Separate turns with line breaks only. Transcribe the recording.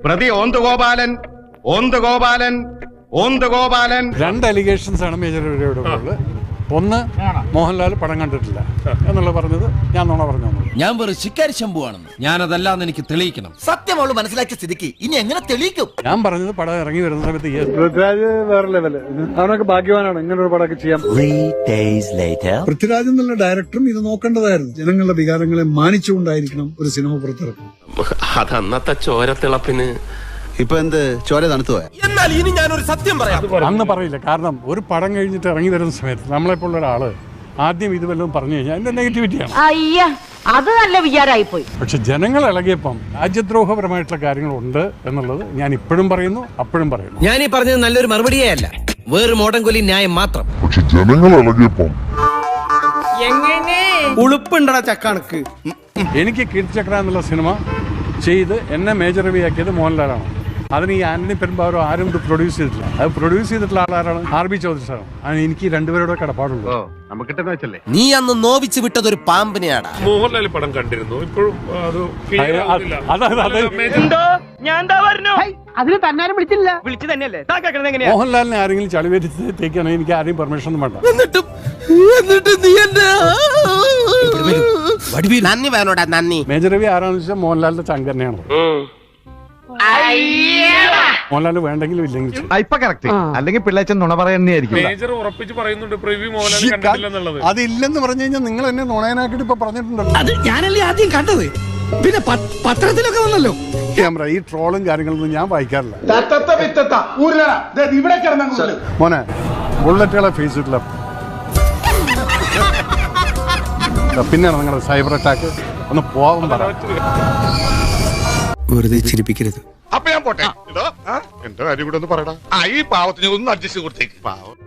പ്രതി ഓന്തുഗോപാലൻ
രണ്ട് അലിഗേഷൻസ് ആണ് മേജർ രവിയുടെ ഉള്ളത്. ഒന്ന്, മോഹൻലാൽ പടം കണ്ടിട്ടില്ല എന്നുള്ള പറഞ്ഞത് ഞാൻ നുണ പറഞ്ഞു.
ഞാൻ വെറും ശിക്കാരി ശംഭുവാണെന്ന് ഞാനതല്ലാന്ന് എനിക്ക് തെളിയിക്കണം.
സത്യം അവള് മനസ്സിലാക്കിയ സ്ഥിതിക്ക് ഇനി എങ്ങനെ തെളിയിക്കും?
ഞാൻ പറഞ്ഞത് പടം ഇറങ്ങി വരുന്ന സമയത്ത്
പൃഥ്വിരാജ് വേറെ ലെവല്, അവനൊക്കെ ഭാഗ്യവാനാണ് ഇങ്ങനെ ഒരു പടമൊക്കെ ചെയ്യാൻ.
പൃഥ്വിരാജ് എന്നുള്ള ഡയറക്ടറും ഇത് നോക്കേണ്ടതായിരുന്നു. ജനങ്ങളുടെ വികാരങ്ങളെ മാനിച്ചുകൊണ്ടായിരിക്കണം ഒരു സിനിമ പുറത്തിറക്കുന്നത്.
അതന്നത്തെ ചോരത്തിളപ്പിന്
ഇപ്പൊ എന്ത് ചോര തണുത്തു പോയ?
എന്നാൽ ഇനി ഞാനൊരു സത്യം പറയാം.
അന്ന് പറയില്ല. കാരണം ഒരു പടം കഴിഞ്ഞിട്ട് ഇറങ്ങി വരുന്ന സമയത്ത് നമ്മളെപ്പോലുള്ള ഒരാള് ആദ്യം ഇത് വല്ലതും പറഞ്ഞു കഴിഞ്ഞാൽ അതിന്റെ നെഗറ്റിവിറ്റിയാണ്.
അത് നല്ല വിചാരമായിപ്പോയി.
പക്ഷെ ജനങ്ങൾ ഇളകിയപ്പം രാജ്യദ്രോഹപരമായിട്ടുള്ള കാര്യങ്ങളുണ്ട് എന്നുള്ളത് ഞാൻ ഇപ്പോഴും പറയുന്നു, അപ്പോഴും പറയുന്നു.
ഞാൻ ഈ പറഞ്ഞത് നല്ലൊരു മറുപടിയേ അല്ല, വേറൊരു മോഡൻ കൊല്ലി ന്യായം മാത്രം.
പക്ഷെ ജനങ്ങൾ ഇളകിയപ്പം
ഉളുപ്പുണ്ടടാ ചക്കണക്ക്.
എനിക്ക് കീർത്തിചക്ര എന്നുള്ള സിനിമ ചെയ്ത് എന്നെ മേജർ രവിയാക്കിയത് മോഹൻലാലാണ്. അതിന് ഈ ആന്റണി പെരുമ്പാവൂരോ ആരും ഇത് പ്രൊഡ്യൂസ് ചെയ്തിട്ടില്ല. അത് പ്രൊഡ്യൂസ് ചെയ്തിട്ടുള്ള ആളാരാണ്? RB ചൗധരി സാറാണ്. അതിന് എനിക്ക് രണ്ടുപേരോട് കടപ്പാടുള്ളൂ.
നീ അന്ന് നോവിച്ച് വിട്ടതൊരു പാമ്പിനെയാടാ.
മോഹൻലാൽ പടം കണ്ടിരുന്നു, ഇപ്പോഴും
അതിന് തന്നാരും വിളിച്ചില്ല. വിളിച്ചു തന്നെയല്ലേ?
മോഹൻലാലിനെ ആരെങ്കിലും ചളിവേറ്റിത്തേക്കാണ് എനിക്ക് ആരെയും പെർമിഷൻ ഒന്നും വേണ്ട.
എന്നിട്ട് നീ എന്നെ
നന്ദി വേണോടാ നന്ദി.
മേജർ രവി ആരാണെന്ന് വെച്ചാൽ മോഹൻലാലിന്റെ ചങ്ക് തന്നെയാണ്. മോഹൻലാൽ വേണ്ടെങ്കിലും ഇല്ലെങ്കിൽ
അല്ലെങ്കിൽ പിള്ളേച്ചൻ നുണ പറയുന്നതായിരിക്കും.
മേജർ ഉറപ്പിച്ച് പറയുന്നുണ്ട് പ്രിവ്യൂ മോഹൻലാൽ കണ്ടിട്ടില്ലെന്നുള്ളത്.
അതില്ലെന്ന് പറഞ്ഞു കഴിഞ്ഞാൽ നിങ്ങൾ എന്നെ നുണയനാക്കിട്ട് ഇപ്പൊ പറഞ്ഞിട്ടുണ്ടല്ലോ.
അത് ഞാനല്ലേ ആദ്യം കണ്ടത്, പിന്നെ പത്രത്തിലൊക്കെ വന്നല്ലോ.
ക്യാമറ ഈ ട്രോളും കാര്യങ്ങളൊന്നും ഞാൻ വായിക്കാറില്ല. മോനെ ബുള്ളറ്റുകളെ ഫേസ് ചെയ്തിട്ടില്ല. പിന്നെയാണ് നിങ്ങളുടെ സൈബർ അറ്റാക്ക്. ഒന്ന് പോവാൻ പറ.
വെറുതെ ചിരിപ്പിക്കരുത്.
അപ്പൊ ഞാൻ പോട്ടെ. എന്റെ കാര്യം കൂടെ ഒന്ന് പറയടാ. ഈ പാവത്തിന് ഒന്ന് അഡ്ജസ്റ്റ് കൊടുത്തേക്ക്. പാവം.